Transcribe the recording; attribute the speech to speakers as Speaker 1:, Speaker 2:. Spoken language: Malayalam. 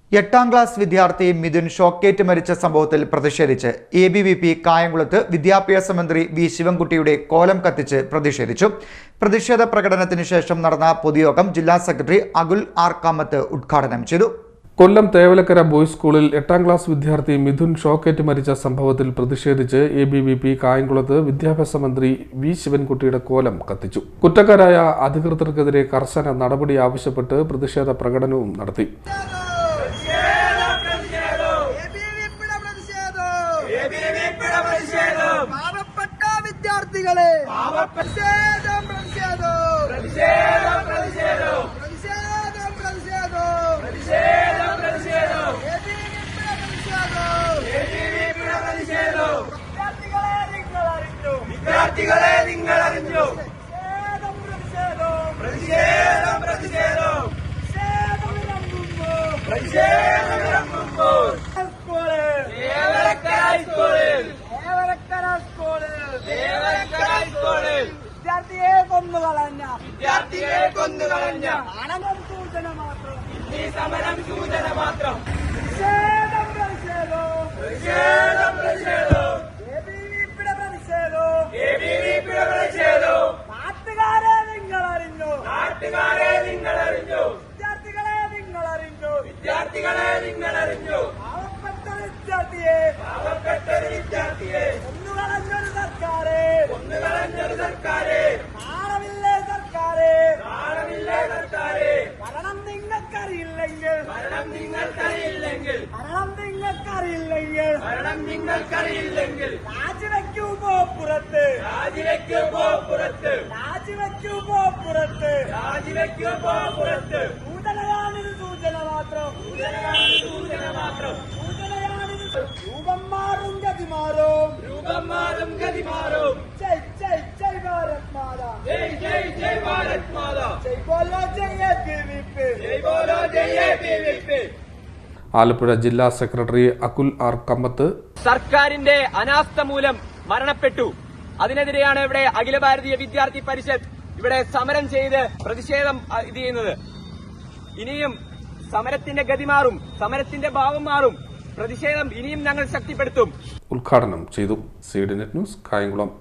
Speaker 1: 8ാം ക്ലാസ് വിദ്യാർത്ഥി മിഥുൻ ഷോക്കേറ്റ് മരിച്ച സംഭവത്തിൽ പ്രതിഷേധിച്ച് ABVP കായംകുളത്ത് വിദ്യാഭ്യാസ മന്ത്രി വി ശിവൻകുട്ടിയുടെ കോലം കത്തിച്ച് പ്രതിഷേധിച്ചു. പ്രതിഷേധ പ്രകടനത്തിന് ശേഷം നടന്ന പൊതുയോഗം ജില്ലാ സെക്രട്ടറി അകുൽ ആർ കാമത്ത് ഉദ്ഘാടനം ചെയ്തു.
Speaker 2: കൊല്ലം തേവലക്കര ബോയ്സ് സ്കൂളിൽ 8ാം ക്ലാസ് വിദ്യാർത്ഥി മിഥുൻ ഷോക്കേറ്റ് മരിച്ച സംഭവത്തിൽ പ്രതിഷേധിച്ച് ABVP കായംകുളത്ത് വിദ്യാഭ്യാസ മന്ത്രി വി ശിവൻകുട്ടിയുടെ കോലം കത്തിച്ചു. കുറ്റക്കാരായ അധികൃതർക്കെതിരെ കർശന നടപടി ആവശ്യപ്പെട്ട് പ്രതിഷേധ പ്രകടനവും നടത്തി.
Speaker 3: വിദ്യാർത്ഥികളെ നിങ്ങൾ അറിഞ്ഞു വിദ്യാർത്ഥിയെ കൊന്നുകളഞ്ഞ സൂചന മാത്രം സമരം സൂചന മാത്രം നാട്ടുകാരെ നിങ്ങൾ അറിഞ്ഞു വിദ്യാർത്ഥികളെ നിങ്ങൾ അറിഞ്ഞു പാവപ്പെട്ട വിദ്യാർത്ഥിയെ ഒന്നുകളഞ്ഞൊരു സർക്കാരെ നാളമില്ലേ സർക്കാരെ ഭരണം നിങ്ങൾക്കറിയില്ലെങ്കിൽ രാജിവെക്കൂ പോ പുറത്ത് സൂചനയാണിത് സൂചന മാത്രം രൂപം മാറും ഗതി മാറും ജയ് ഭാരത് മാതാ ജയ് ബോലോ ജയ് ABVP.
Speaker 2: ആലപ്പുഴ ജില്ലാ സെക്രട്ടറി അകുൽ ആർ കമ്മത്ത്
Speaker 4: സർക്കാരിന്റെ അനാസ്ഥ മൂലം മരണപ്പെട്ടു. അതിനെതിരെയാണ് ഇവിടെ അഖില ഭാരതീയ വിദ്യാർത്ഥി പരിഷത്ത് ഇവിടെ സമരം ചെയ്ത് പ്രതിഷേധം ചെയ്യുന്നത്. ഇനിയും സമരത്തിന്റെ ഗതി മാറും, സമരത്തിന്റെ ഭാവം മാറും. പ്രതിഷേധം ഇനിയും ഞങ്ങൾ ശക്തിപ്പെടുത്തും.
Speaker 2: ഉദ്ഘാടനം ചെയ്തു. CDNet news Kayamkulam.